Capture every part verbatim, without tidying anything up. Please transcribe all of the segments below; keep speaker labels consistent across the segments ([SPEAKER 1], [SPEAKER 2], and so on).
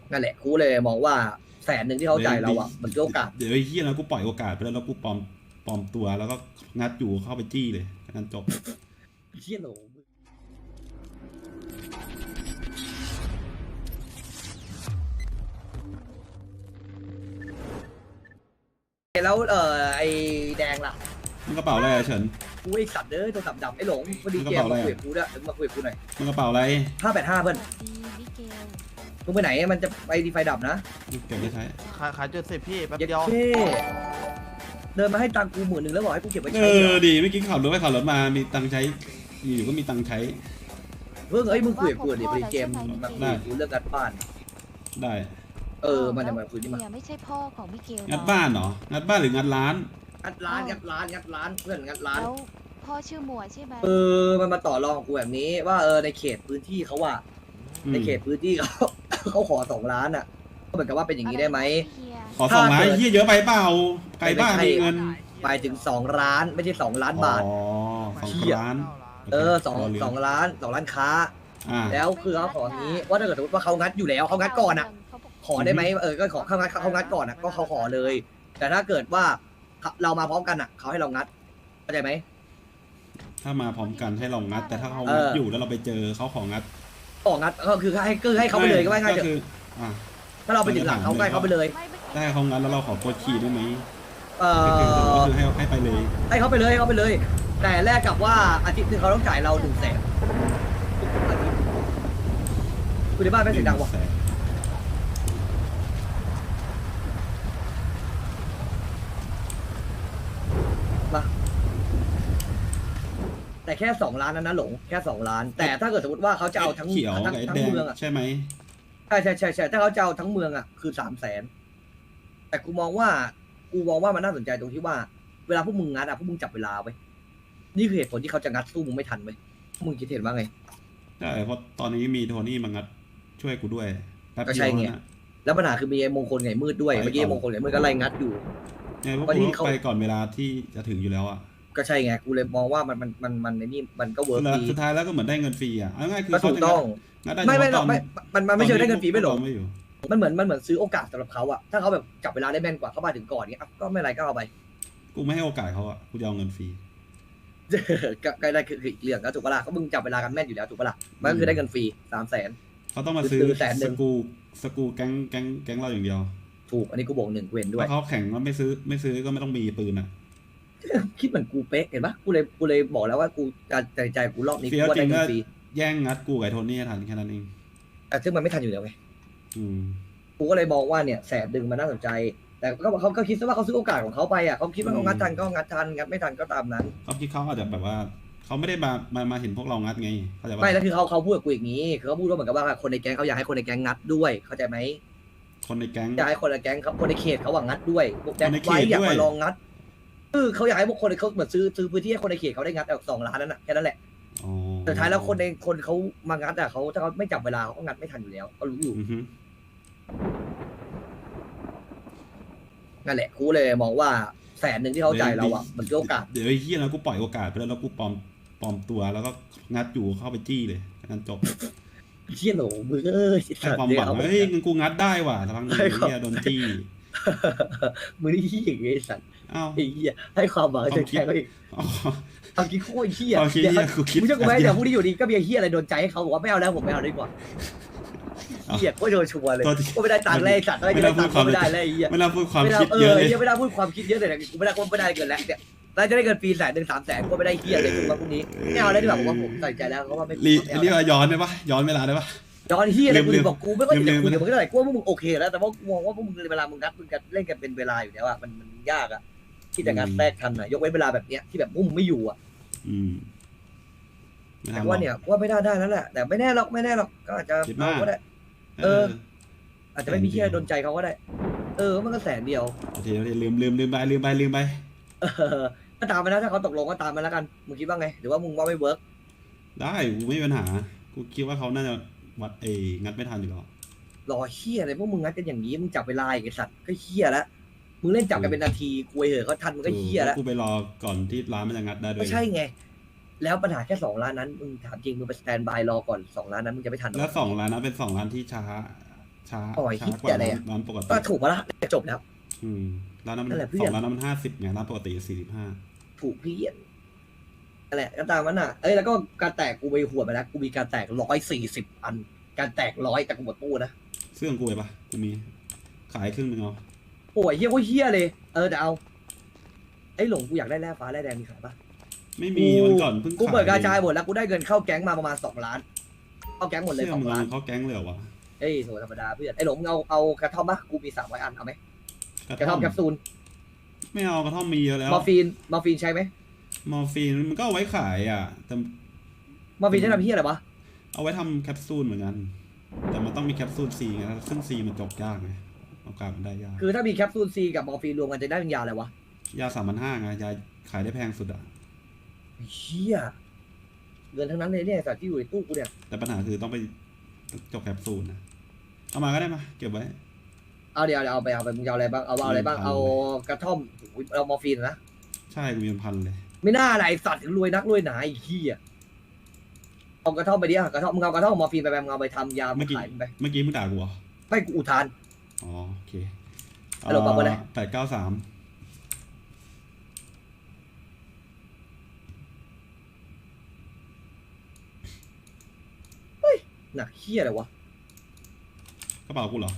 [SPEAKER 1] นั่นแหละกูเลยมองว่าแสนหนึ่งที่เขาจ่ายเราอ่ะมันคือโอกาส
[SPEAKER 2] เดี๋ยวไอ้เหี้ยแล้วกูปล่อยโอกาสไปแล้วแล้วกูปลอมปลอมตัวแล้วก็งัดอยู่เข้าไปจี้เลยงั้นจบ
[SPEAKER 1] เชี่ยโหลแล้วเออไอแดงล่ะ
[SPEAKER 2] มันกระเป๋าอะไรอะเฉิน
[SPEAKER 1] กูไอสัตว์เด้อตัวสับดับไอหลงพอดี
[SPEAKER 2] มันก
[SPEAKER 1] เก
[SPEAKER 2] ระ
[SPEAKER 1] ม
[SPEAKER 2] เป๋าอะไร
[SPEAKER 1] มา
[SPEAKER 2] อะ
[SPEAKER 1] คุยกับกูด้วยมาคุยกับกูหน่อย
[SPEAKER 2] มันกระเป๋าอะไร
[SPEAKER 1] ห้าแปดห้าเพื่อน
[SPEAKER 3] ดีมิเกล
[SPEAKER 1] มึงไปไหนมันจะไปดีไฟดับนะ
[SPEAKER 2] เก็บไว้ใช้
[SPEAKER 4] ขายขายจุดสิบพี่แป๊บ
[SPEAKER 1] เย็ด
[SPEAKER 4] เดียว
[SPEAKER 1] เท่เดินมาให้ตังค์กูหมื่นหนึ่งแล้วบอกให้กูเก็บไว้
[SPEAKER 2] เอ
[SPEAKER 1] ใช้เหร
[SPEAKER 2] อ
[SPEAKER 1] อ
[SPEAKER 2] ดีไม่อกินขับรถไปขับรถมามีตังค์ใช้อยู่ก็มีตังค์ใช้
[SPEAKER 1] เพิ่งเอ้ยมึงคุยกับกูดิพอดีเกมมาคุยกับกูเรื่องงัดบ้าน
[SPEAKER 2] ได้
[SPEAKER 1] เออมันจะมาคุยนี่มา
[SPEAKER 3] เนี่ยไม่ใช่พ่อของมิเกล
[SPEAKER 2] งัดบ้านเหรองัดบ้านหรืองัดร้าน
[SPEAKER 1] งัดร้านงัดร้านงัดร้านเพื่อนงัดร้าน
[SPEAKER 3] แล้วพ่อชื่อหมวยใช่ไหม
[SPEAKER 1] เออมันมาต่อรองกับกูแบบนี้ว่าเออในเขตพื้นที่เขาว่า
[SPEAKER 2] อืม
[SPEAKER 1] ในเขตพื้นที่เขา เขาขอสองล้านอ่ะก็เหมือนกับว่าเป็นอย่างนี้ได้ไหม
[SPEAKER 2] ขอสองล้านเหี้ยเยอะไปเปล่าไกลบ้านมีเงิน
[SPEAKER 1] ไปถึงสองล้านไม่ใช่สองล้านบาท
[SPEAKER 2] อ๋อสองล้าน
[SPEAKER 1] เออสองสองล้านสองล้านค้า
[SPEAKER 2] อ่า
[SPEAKER 1] แล้วคือเขาขออย่างนี้ว่าถ้าเกิดสมมติว่าเขางัดอยู่แล้วเขางัดก่อนอ่ะ ขอได้ไหมเออก็ขอเขางัดเขางัดก่อนอ่ะก็เขาขอเลย แต่ถ้าเกิดว่าเรามาพร้อมกันอ่ะเขาให้เรางัดเข้าใจไหม
[SPEAKER 2] ถ้ามาพร้อมกันให้เรางัด แต่ถ้าเขา
[SPEAKER 1] เอ
[SPEAKER 2] งัด
[SPEAKER 1] อ
[SPEAKER 2] อยู่แล้วเราไปเจอเขาของงัด
[SPEAKER 1] ของัดก็คือให้คือให้เขาไปเลยก็ไม่ง่ายเถ
[SPEAKER 2] ก็คื
[SPEAKER 1] อะ
[SPEAKER 2] ออ่า
[SPEAKER 1] ถ้าเราไปถึงหลังเขาใกล้เขาไปเลย
[SPEAKER 2] ได้เขางัดแล้วเราขอโค้ดคีย์ได้ไหม
[SPEAKER 1] เอ
[SPEAKER 2] ก็คือก็
[SPEAKER 1] อ
[SPEAKER 2] คือให้ให้ไปเลย
[SPEAKER 1] ให้เขาไปเลยให้เขาไปเลย แต่แลกกับว่าอาทิตย์หนึงเขาต้องจ่ายเราหนึ่งแสนทุกอาทิตย์คุณในบ้านไม่เสียงดังวะ
[SPEAKER 2] แสน
[SPEAKER 1] มาแต่แค่สองล้านนั้นนะหลงแค่สองล้าน แต่ถ้าเกิดสมมติว่าเขาจะเอาทั้ง
[SPEAKER 2] เขียว
[SPEAKER 1] ทั้ง
[SPEAKER 2] กับไอ้
[SPEAKER 1] ทั้ง
[SPEAKER 2] แดง
[SPEAKER 1] เมืองอ่ะ
[SPEAKER 2] ใช่ไหม
[SPEAKER 1] ใช่ใช่ใช่ใช่ถ้าเขาจะเอาทั้งเมืองอ่ะคือสามแสนแต่กูมองว่ากูมองว่ามันน่าสนใจตรงที่ว่า เวลาพวกมึงงัดอ่ะพวกมึงจับเวลาไว้นี่คือเหตุผลที่เขาจะงัดสู้มึงไม่ทันไว้พวกมึงคิดเห็นว่าไง
[SPEAKER 2] ใช่เพราะตอนนี้มีโทนี่มางัดช่วยกูด้วยแป๊บ
[SPEAKER 1] ก็
[SPEAKER 2] เดี
[SPEAKER 1] ใช่
[SPEAKER 2] ยว
[SPEAKER 1] ไง
[SPEAKER 2] นะ
[SPEAKER 1] แล้วปัญหาคือมีไอ้มงคลไงมืดด้วย
[SPEAKER 2] ไป
[SPEAKER 1] เมื่อกี้
[SPEAKER 2] ก่อน
[SPEAKER 1] มงคลไงมืดก็ไล่งัดอยู่
[SPEAKER 2] ไงพวก
[SPEAKER 1] วันนี้
[SPEAKER 2] กู
[SPEAKER 1] เขา
[SPEAKER 2] ไปก่อนเวลาที่จะถึงอยู่แล้วอ่ะ
[SPEAKER 1] ก็ใช่ไงกูเลยมองว่ามันมันมันมันในนี่มันก็เวิร์ก
[SPEAKER 2] แล้ว
[SPEAKER 1] ดี
[SPEAKER 2] สุดท้ายแล้วก็เหมือนได้เงินฟรีอ่ะเอาง่ายคือ
[SPEAKER 1] ก็
[SPEAKER 2] เขา
[SPEAKER 1] ถูก
[SPEAKER 2] จะ
[SPEAKER 1] ต้อง
[SPEAKER 2] งัดได้
[SPEAKER 1] ไม่ไม่
[SPEAKER 2] เฉ
[SPEAKER 1] หรอก
[SPEAKER 2] พาะตอน
[SPEAKER 1] ไม่มันมันไม่เชิงได้เงินฟรีไม่หลง
[SPEAKER 2] ตอนไม่อยู่
[SPEAKER 1] มันเหมือนมันเหมือนซื้อโอกาสสำหรับเขาอะถ้าเขาแบบจับเวลาได้แม่นกว่าเขามาถึงก่อนเงี้ยอ่ะก็ไม่เป็นไรก็เอาไป
[SPEAKER 2] กูไม่ให้โอกาสเขาอ่ะกูจะเอาเงินฟรี
[SPEAKER 1] ก็ก็ได้คือคืออีกเรื่องก็ถูกปะล่ะก็มึงจับเวลากันแม่นอยู่แล้วถูกปะล่ะมันก็คือได้เงินฟรีสามแสน
[SPEAKER 2] เขาต้องมาซื้อ
[SPEAKER 1] ซื้อแสนหนึ่
[SPEAKER 2] ส
[SPEAKER 1] ง
[SPEAKER 2] กูสกูแก๊งแก๊งแก๊งเราอย่างเดียว
[SPEAKER 1] ถูกอันนี้กูบอกหนึ่งกูเห็นด้ว
[SPEAKER 2] ถ้าย เขาแข่งว่าไม่ซื้อไม่ซื้อก็ไม่ต้องมีปืนอ่ะ
[SPEAKER 1] คิดเหมือนกูเป๊ะเห็นปะกูเลยกูเลยบอกแล้วว่ากูการใจใจกูรอบนี้
[SPEAKER 2] เฟี้
[SPEAKER 1] กู
[SPEAKER 2] ยว
[SPEAKER 1] ว่า
[SPEAKER 2] จริ
[SPEAKER 1] ได้
[SPEAKER 2] ง
[SPEAKER 1] เงิ
[SPEAKER 2] ก็
[SPEAKER 1] นฟรี
[SPEAKER 2] แย่งงัดกูกับไอ้โทนี่ให้ทันแค่นั้นเอง
[SPEAKER 1] แต่ซึ่งมันไม่ทันอยู่แล้วไง
[SPEAKER 2] อืม
[SPEAKER 1] กูก็เลยมองว่าเนี่ยแสนดึงมันน่าสนใจ แต่ก็เขาก็คิดซะว่าเขาซื้อโอกาสของเขาไปอ่ะเขาคิดว่าเขางัดทันก็งัดทันงัดไม่ทันก็ตามนั้น
[SPEAKER 2] เขาคิดเขาอาจจะแบบว่าเขาไม่ได้มามามาเห็นพวกเรางัดไงเขาใจปะ
[SPEAKER 1] ไม่แล้วคือเขาเขาพูดกับกูอย่างนี้คือเขาพูดว่าเหมือนกับว่าคนในแก๊งเขาอยากให้คนในแก๊งงัดด้วยเข้าใจไหม
[SPEAKER 2] คนในแก๊ง
[SPEAKER 1] อยากให้คนในแก๊งเขาคนในเขตเขาหวังงัดด้วยพวกแก๊ง
[SPEAKER 2] คนในเขต
[SPEAKER 1] ไว้อยาก
[SPEAKER 2] ด้วย
[SPEAKER 1] มาลองงัดเออเขาอยากให้พวกคนเขาเหมือนซื้อซื้อพื้นที่ให้คนในเขตเขาได้งัดแบบสองล้านนั่นแหละแค่นั้นแหละ
[SPEAKER 2] อ๋อ
[SPEAKER 1] แต่ท้ายแล้วคนในคนเขามางัดอ่ะเขาถ้าเขาไม่จับเวลาเขาก็งัดไม่ทันอยู่แล้วก็รู้อยู่
[SPEAKER 2] อือฮึ
[SPEAKER 1] นั่นแหละกูเลยมองว่าแสนหนึ่งที่เขาจ่ายเราอ่ะมันคือโอกาส
[SPEAKER 2] เดี๋ยวไอ้เหี้ยแล้วกูปล่อยโอกาสไปแล้วแล้วกูปลอมปลอมตัวแล้วก็งัดอยู่เข้าไปจี้เลยงั้นจบ
[SPEAKER 1] เชี่ยโหลมือเอ้ย
[SPEAKER 2] ให้ความหวังเฮ้ยงั้นกูงัดได้ว่ะทางนี้เหี้ยโดนจี้
[SPEAKER 1] มือนี่เหี้ยอย่างเงี้ยไอ้สัตว์
[SPEAKER 2] อ้าว
[SPEAKER 1] ไอ้เหี้ยให้ความหวังจะแข่งเขาอีก
[SPEAKER 2] อ๋อ
[SPEAKER 1] เอาคิดโคตรเหี้ย
[SPEAKER 2] เอาคิดเหี้ยกูคิด
[SPEAKER 1] มึงเชื่อกูไหมเดี๋ยวพรุ่งนี้อยู่ดีก็มีไอ้เหี้ยอะไรโดนใจให้เขาบอกว่าไม่เอาแล้วผมไม่เอาดีกว่าเหี้ยโคตรโดนชัวร์เลย
[SPEAKER 2] ตัวที่
[SPEAKER 1] ก็ไม่ได้ตังค์เลยไอ้สัตว์ไม่ได้ตังค์ก็ไม่ได้เลยไอ้เหี้ย
[SPEAKER 2] ไม่น่าพูดความ
[SPEAKER 1] ไม่ได้
[SPEAKER 2] คิด
[SPEAKER 1] เอ
[SPEAKER 2] เย
[SPEAKER 1] อ
[SPEAKER 2] อะเลย
[SPEAKER 1] เหี้ยไม่ได้พูดความคิดเยอะเลยนะกูไม่ได้กูไม่ได้เกินแล้วเนี่ยแล้วจะได้เงินฟรีแสนหนึ่งสามแสนก็ไม่ได้เหี้ยเลยกูว่าพรุ่งนี้ไม่เอาแล้วดีกว่าผมว่าผมตัดใจแล้วเพราะว่าไม่
[SPEAKER 2] รี
[SPEAKER 1] ไม่เอา
[SPEAKER 2] เรียกว่าย้อนได้ปะย้อนเวลาได้ปะ
[SPEAKER 1] ย้อนเหี้ยอะไรกู
[SPEAKER 2] ลืม
[SPEAKER 1] บอกกูไม่ค่อย
[SPEAKER 2] ลื
[SPEAKER 1] จะ
[SPEAKER 2] ม
[SPEAKER 1] คุย
[SPEAKER 2] ลื
[SPEAKER 1] กับ
[SPEAKER 2] ม
[SPEAKER 1] มึงเท่าไหร่กูว่าพวกมึงโอเคแล้วแต่ว่ากูมองว่าพวกมึงเวลามึงงัดมึงกันเล่นกันเป็นเวลาอยู่แล้วอะมันมันยากอะที่จะงัดแทรกทันอะยกเว้นเวลาแบบเนี้ยที่แบบพวกมึงไม่อยู่อะ
[SPEAKER 2] อืมไม่
[SPEAKER 1] แต่
[SPEAKER 2] ทำหร
[SPEAKER 1] ว่า
[SPEAKER 2] อก
[SPEAKER 1] เนี่ยว่าไม่ได้ได้นั่นแหละแต่ไม่แน่หรอกไม่แน่หรอกก็อาจจะ
[SPEAKER 2] คิดมาก
[SPEAKER 1] เอาก็ได้
[SPEAKER 2] เออ
[SPEAKER 1] อาจจะไม่มีเหี้ยโดนใจเขาก็ได้ เออมันก็แสนเดียว
[SPEAKER 2] โอเคโอเคลืมลืมลืมไปลืมไปลืมไป
[SPEAKER 1] เออก็ตามไปนะถ้าเขาตกลงก็ตามไปแล้วกันมึงคิดว่าไงหรือว่ามึงว่าไม่เวิร์ก
[SPEAKER 2] ได้กูไม่มีปัญหากูคิดว่าเขาน่าจะวัดเองัดไม่ทันอยู่แล้ว
[SPEAKER 1] รอเหี้ยอะไรพวกมึงงัดกันอย่างนี้มึงจับเวลาอีกไอ้สัตว์ก็เหี้ยแล้วมึงเล่นจับกันเป็นนาทีคุยเหอะเขาทันมึงก็เหี้ยแล้ว
[SPEAKER 2] กูไปรอก่อนที่ร้านมันจะงัดได้ด้วย
[SPEAKER 1] ก็ใช่ไงแล้วปัญหาแค่สองล้านนั้นมึงถามจริงมึงไปสแตนบายรอก่อนสองล้านนั้นมึงจะไม่ทันหรอ
[SPEAKER 2] แล้วสองร้านนั้นเป็นสองร้านที่ช้าช้า
[SPEAKER 1] โอ้ย
[SPEAKER 2] ช้ากว่า
[SPEAKER 1] เหี้ยอะไร
[SPEAKER 2] ร้าน
[SPEAKER 1] อะ
[SPEAKER 2] ร้านปกติ
[SPEAKER 1] ก็ถูกปะล่ะจบแล้ว
[SPEAKER 2] อืมร้านนั้นมัน
[SPEAKER 1] นั่นแหละเพื่
[SPEAKER 2] ส
[SPEAKER 1] อ
[SPEAKER 2] อน งร้านนั้นมันห้าสิบไงร้านปกติสี่สิบห้า
[SPEAKER 1] ถูกเพี่อนนั่นแหละก็ตามนั้นอ่ะเอ้ยแล้วก็การแตกกูไปหัวดไปแล้วกูมีการแตกร้อยสี่สิบอัน การแตกร้อยแต่กูหมดตู้นะ
[SPEAKER 2] เสื้อของกูเลยปะกูมีขายครึ่งหนึงเอา
[SPEAKER 1] โอ้ยเฮี้ยโคตรเฮี้ยเลยเออแต่เอาไอ้หลงกูอยากได้แร่ฟ้าแร่แดงมีขายปะ
[SPEAKER 2] ไม่มีวันก่อนเพิ่ง
[SPEAKER 1] กู
[SPEAKER 2] ขาย
[SPEAKER 1] เปิดกระจายหมดแล้วกูได้เงินเข้าแก๊งมาประมาณสองล้านเข้าแก๊งหมดเลย
[SPEAKER 2] เสื้อ
[SPEAKER 1] สอ
[SPEAKER 2] มึ
[SPEAKER 1] ง
[SPEAKER 2] ง
[SPEAKER 1] ล้าน
[SPEAKER 2] เขาแก๊งเลยเหรอวะ
[SPEAKER 1] เอ้ยโถธรรมดาเพื่อนไอ้หลงมึงเอาเอากระท่อมปะกูมีสามร้อยอันเอาไหมกระท่อมแคปซูล
[SPEAKER 2] ไม่เอากระท่อมมีเยอะแล้ว
[SPEAKER 1] มอร์ฟีนมอร์ฟีนใช้ไหม
[SPEAKER 2] มอร์ฟีนมันก็เอาไว้ขายอ่ะแต่
[SPEAKER 1] มอร์ฟีนใช้ทำเฮี้ยอะไรวะ
[SPEAKER 2] เอาไว้ทำแคปซูลเหมือนกัน แต่มันต้องมีแคปซูลซีไงซึ่งซีมันจบยากไงโอกาสมันได้ยาก
[SPEAKER 1] คือถ้ามีแคปซูลซีกับมอร์ฟีนรวมกันจะได้เป็นยาอะไรวะ
[SPEAKER 2] ยาสามพันห้าไงยาขายได้แพงสุดอ่ะ
[SPEAKER 1] เฮี้ยเงินทั้งนั้นเลยเนี่ยสัตว์ที่อยู่ในตู้กูเนี่ย
[SPEAKER 2] แต่ปัญหาคือต้องไปจบแคปซูลนะเอามาก็ได้มาเก็บไว้
[SPEAKER 1] เอาเดี๋ยวเอาไปเอาไปมึงจะเอาอะไรบ้างเอาเอาอะไรบ้าง
[SPEAKER 2] มีพัน
[SPEAKER 1] เอากระท่อมโอ้ยเอามอร์ฟีนนะ
[SPEAKER 2] ใช่กูมีเป็นพันเลย
[SPEAKER 1] ไม่น่าอะไรสัตว์รวยนักรวยหนาไอ้เหี้ยเอากระท่อมไปดิอะกระท่อมมึงเอากระท่อมมอร์ฟีนไปไปมึงเอาไปทำยา
[SPEAKER 2] เมื่อกี้
[SPEAKER 1] ขายมันไป
[SPEAKER 2] เมื่อกี้มึงด่ากูเหรอ
[SPEAKER 1] ไม่กูอุทาน
[SPEAKER 2] อ๋อโอเค
[SPEAKER 1] ฮัลโหลปรับเบอร์อะไร
[SPEAKER 2] แปดเก้าสาม
[SPEAKER 1] หนักเหี้ยอะไรวะ
[SPEAKER 2] กระเป๋ากูเหรอ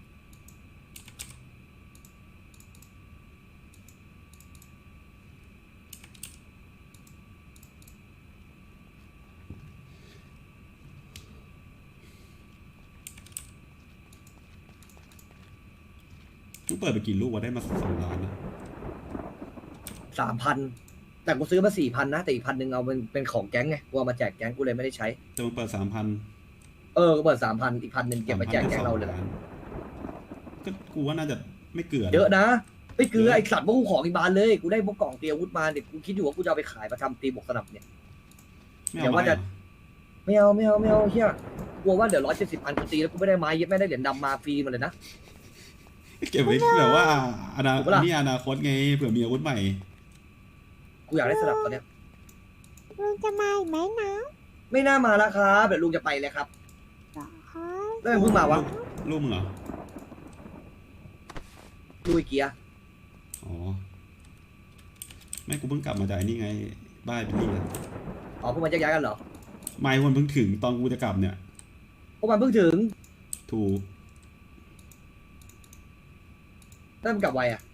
[SPEAKER 2] มึงเปิดไปกี่ลูกวะได้มาสองล้านนะ
[SPEAKER 1] สามพันแต่กูซื้อมาสี่พันนะแต่อีกพันหนึ่งเอาเป็นเป็นของแก๊งไงกูเอามาแจกแก๊งกูเลยไม่ได้ใช้
[SPEAKER 2] แต่มึงเปิดสามพัน
[SPEAKER 1] เออกูเปิดสามพันอีกพันหนึ่งเก็บมาแจกแก๊งเราเลย
[SPEAKER 2] ก็กูว่าน่าจะไม่เกลือ
[SPEAKER 1] เยอะนะไม่คือไอสัตว์พวกกูของอีกบานเลยกูได้พวกกล่องเตรียมอาวุธมาเด็กกูคิดอยู่ว่ากูจะเอาไปขายมาทำตีบวกสนับเนี่ย
[SPEAKER 2] ไม่
[SPEAKER 1] เดี๋
[SPEAKER 2] เอา
[SPEAKER 1] ยวว่า
[SPEAKER 2] ไม้
[SPEAKER 1] จะ
[SPEAKER 2] เหรอ
[SPEAKER 1] ไม่เอาไม่เอาไม่เอาเฮียกลัวว่าเดี๋ยวร้อยเจ็ดสิบอันกูตีแล้วกูไม่ได้ไม้เย็บไม่ได้เหรียญดำมาฟรีมาเลยนะ
[SPEAKER 2] เก็บไว้แบบว่าอนา
[SPEAKER 1] ถูกปะล่ะ
[SPEAKER 2] นี่อนาคตไงเผื่อมีอาวุธใหม่
[SPEAKER 1] กูอยากได้สนับตอนเนี้ย
[SPEAKER 4] ลุงจะมาอีกไหมนะ
[SPEAKER 1] ไม่น่ามาแล้วครับเดี๋ยวลุงจะไปเลยครับ
[SPEAKER 4] หรอคะ
[SPEAKER 1] แล้วมันเพิ่งมาวะ
[SPEAKER 2] ลูกมึงเหรอ
[SPEAKER 1] ลุยเกียร์
[SPEAKER 2] อ๋อไม่กูเพิ่งกลับมาจากไอ้นี่ไงบ้านเป็นนี่อะ
[SPEAKER 1] อ๋อพวกมันจะย้ายกันเหรอ
[SPEAKER 2] ไม่คนเพิ่งถึงตอนกูจะกลับเนี่ย
[SPEAKER 1] พวกมันเพิ่งถึง
[SPEAKER 2] ถูก
[SPEAKER 1] แล้วมันกลับไวอ่ะ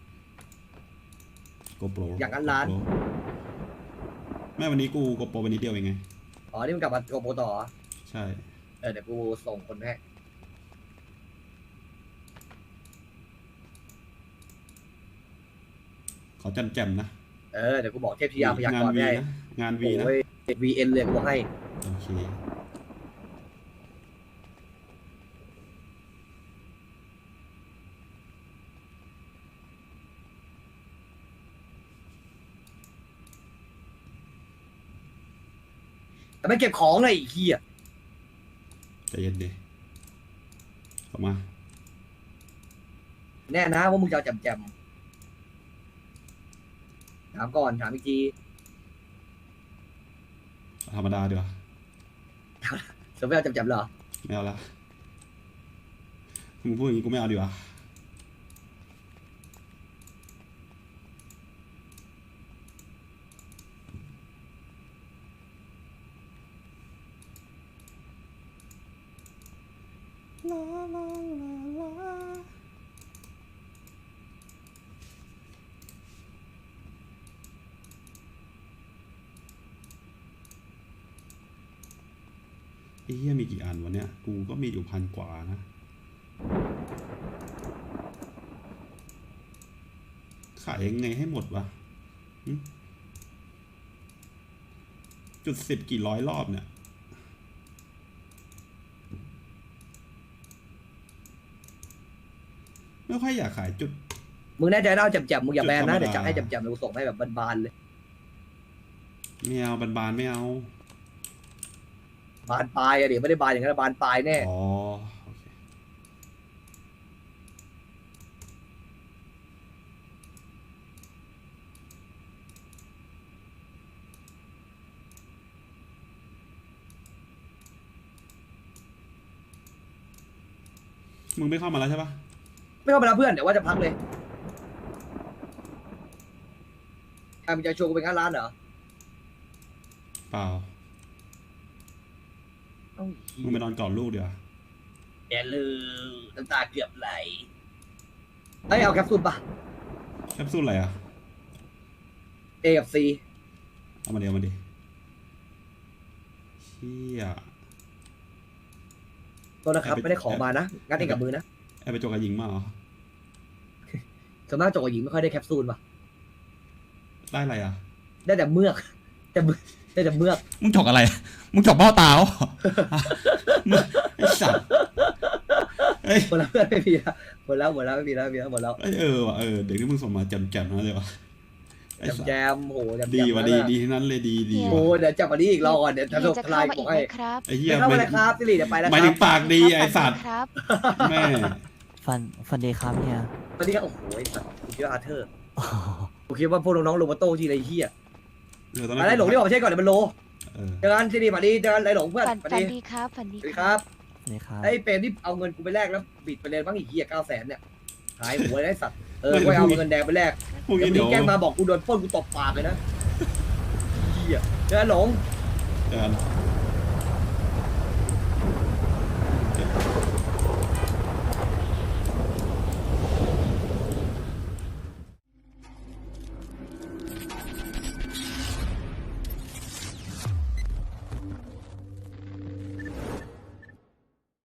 [SPEAKER 2] โกโปร
[SPEAKER 1] อย่างนั้นล้าน
[SPEAKER 2] แม่วันนี้กูโกโปรวันนี้เดียวเองไง
[SPEAKER 1] อ๋อนี่มันกลับมาโกโปรต่อเหรอ
[SPEAKER 2] ใช่
[SPEAKER 1] เออเดี๋ยวกูส่งคนให้
[SPEAKER 2] ขอจำแจมๆนะ
[SPEAKER 1] เออเดี๋ยวกูบอกเทพธิยาพยาก
[SPEAKER 2] งาน
[SPEAKER 1] รณ์
[SPEAKER 2] วี
[SPEAKER 1] ให้
[SPEAKER 2] นะงานวีนะ
[SPEAKER 1] โอ้ยวีเอ็นเลยกูบอกให้
[SPEAKER 2] โอเค
[SPEAKER 1] แต่ไม่เก็บของเลยไอ้เหี้ย
[SPEAKER 2] ใจเย็นดิเข้ามา
[SPEAKER 1] แน่นะว่ามึงจะเอาแจมแจมถามก่อนถามอีกที
[SPEAKER 2] ธรรมดาดีกว่า
[SPEAKER 1] สมมติเอาแจมแจมเหรอ
[SPEAKER 2] ไม่เอาละมึงพูดอย่างนี้กูไม่เอาดีกว่าลาลาลาลาไอ้เหี้ยมีกี่อันวะเนี่ย กูก็มีอยู่พันกว่านะ ขายยังไงให้หมดวะหึจุดสิบกี่ร้อยรอบเนี่ย ไม่ค่อยอยากขายจุด
[SPEAKER 1] มึงแน่ใจนะเอาแจมแจมมึงอย่าแบนนะ
[SPEAKER 2] จุดธรรมดา
[SPEAKER 1] เดี๋ยวจะให้แจมแจมเราส่งให้แบบบานๆเลย
[SPEAKER 2] ไม่เอาบานๆไม่เอา
[SPEAKER 1] บานปลายอะเดี๋ยวไม่ได้บานอย่างนั้นบานปลายแน่
[SPEAKER 2] อ๋อโอเคมึงไม่เข้ามาแล้วใช่ปะ
[SPEAKER 1] ไม่เข้าไปแล้วเพื่อนเดี๋ยวว่าจะพักเลยใครมึงจะชวนกูไปงานร้านเหรอ
[SPEAKER 2] เปล่า
[SPEAKER 1] เอ้า
[SPEAKER 2] มึงไปนอนกอดลูกเดี๋ยวา
[SPEAKER 1] อย่าลืมน้ำตาเกือบไหลเอ้ยเอาแคปซูลปะ
[SPEAKER 2] แคปซูลอะไรอ่ะ
[SPEAKER 1] เอกับซี
[SPEAKER 2] เอามาเดี๋ยวมาดิเชี่ย
[SPEAKER 1] ตัวนะครับไม่ได้ขอมานะงัดเองกับมือนะ
[SPEAKER 2] ไอ้ไปจกกับหญิงมาเหรอ
[SPEAKER 1] ส่วนมากจกกับหญิงไม่ค่อยได้แคปซูลปะ
[SPEAKER 2] ได้อะไรอ่ะ
[SPEAKER 1] ได้แต่เมือกแต่เมือกได้แต่เมือก
[SPEAKER 2] มึงจกอะไร มึงจกเบ้าตาเหรอ มึงไอ้สัตว์เอ้ย
[SPEAKER 1] หมดแล้วเพื่อนไม่มีแล้วหมดแล้วหมดแล้วไม่มีแล้วไม่มีแล้วหมดแล้ว
[SPEAKER 2] เอ้ยเออว่ะเออเด็กที่มึงส่งมาแจ่มๆนั่นเลยวะไอ้
[SPEAKER 1] แจม
[SPEAKER 2] สัต
[SPEAKER 1] แจ
[SPEAKER 2] ว์
[SPEAKER 1] มโหแจม
[SPEAKER 2] ดี
[SPEAKER 1] แจม
[SPEAKER 2] ว่ะ
[SPEAKER 1] นั่น
[SPEAKER 2] ดี
[SPEAKER 1] น่ะ
[SPEAKER 2] ดีทั้งนั้นเลยดีดี
[SPEAKER 1] โอ้
[SPEAKER 2] ว่ะ
[SPEAKER 1] เดี๋ยวจับวันนี้อีกรอก่อนเดี๋ยว
[SPEAKER 3] เฮี
[SPEAKER 1] ทะ
[SPEAKER 3] ย
[SPEAKER 1] ลุ
[SPEAKER 3] จะ
[SPEAKER 1] ทลา
[SPEAKER 3] เข้าย มา
[SPEAKER 1] บ
[SPEAKER 3] อี
[SPEAKER 1] อก ก
[SPEAKER 3] ไห
[SPEAKER 1] ให้
[SPEAKER 3] มครับ
[SPEAKER 2] ไอ้เหี้ย
[SPEAKER 1] ไม่เข้า
[SPEAKER 2] ไม่
[SPEAKER 1] มาเลยครับสิริเดี๋ยวไปแล้ว
[SPEAKER 2] หมาย
[SPEAKER 1] ค
[SPEAKER 2] ถึ
[SPEAKER 1] รับ
[SPEAKER 2] งปากดีไอ้สัตว์
[SPEAKER 3] ครับ
[SPEAKER 2] แม่
[SPEAKER 5] ฟันฟันดีครับเนี่ย
[SPEAKER 1] วันนี้ก็โอ้โหไอ้สัตว์กูคิดว่าอาร์เธอร์กูคิดว่าพวกน้องๆลงมาโต้ทีไรเฮีย
[SPEAKER 2] เออตอน
[SPEAKER 1] อะไรหลงที่ออกมาเช็คก่อนเดี๋ยวมันโล
[SPEAKER 2] เออ
[SPEAKER 1] เจอกันสิริมาดีเจอกันไรหลงเพื่อน
[SPEAKER 3] ฝัน
[SPEAKER 1] สวัส
[SPEAKER 3] ฝัน
[SPEAKER 1] ดี
[SPEAKER 3] ดีครับฝัน
[SPEAKER 1] ส
[SPEAKER 3] ดี
[SPEAKER 1] วัสดี
[SPEAKER 3] ค
[SPEAKER 1] ค
[SPEAKER 3] รั
[SPEAKER 1] รั
[SPEAKER 3] บบ
[SPEAKER 5] สวัสดีครับ
[SPEAKER 1] ไอ้เปรมที่เอาเงินกูไปแลกแล้วบิดไปเลยบ้างอีกเฮียเก้าแสนเนี่ยหายหัวเลยไอ้สัตว์เออกูเอาเงินแดงไปแลก
[SPEAKER 2] พวก
[SPEAKER 1] เดี๋ย
[SPEAKER 2] นี้
[SPEAKER 1] วมึ
[SPEAKER 2] เดี๋ยว
[SPEAKER 1] งแกล้งมาบอกกูโดนปล้นกูตบปากเลยนะเฮียเจอกันหลง
[SPEAKER 2] เจอกัน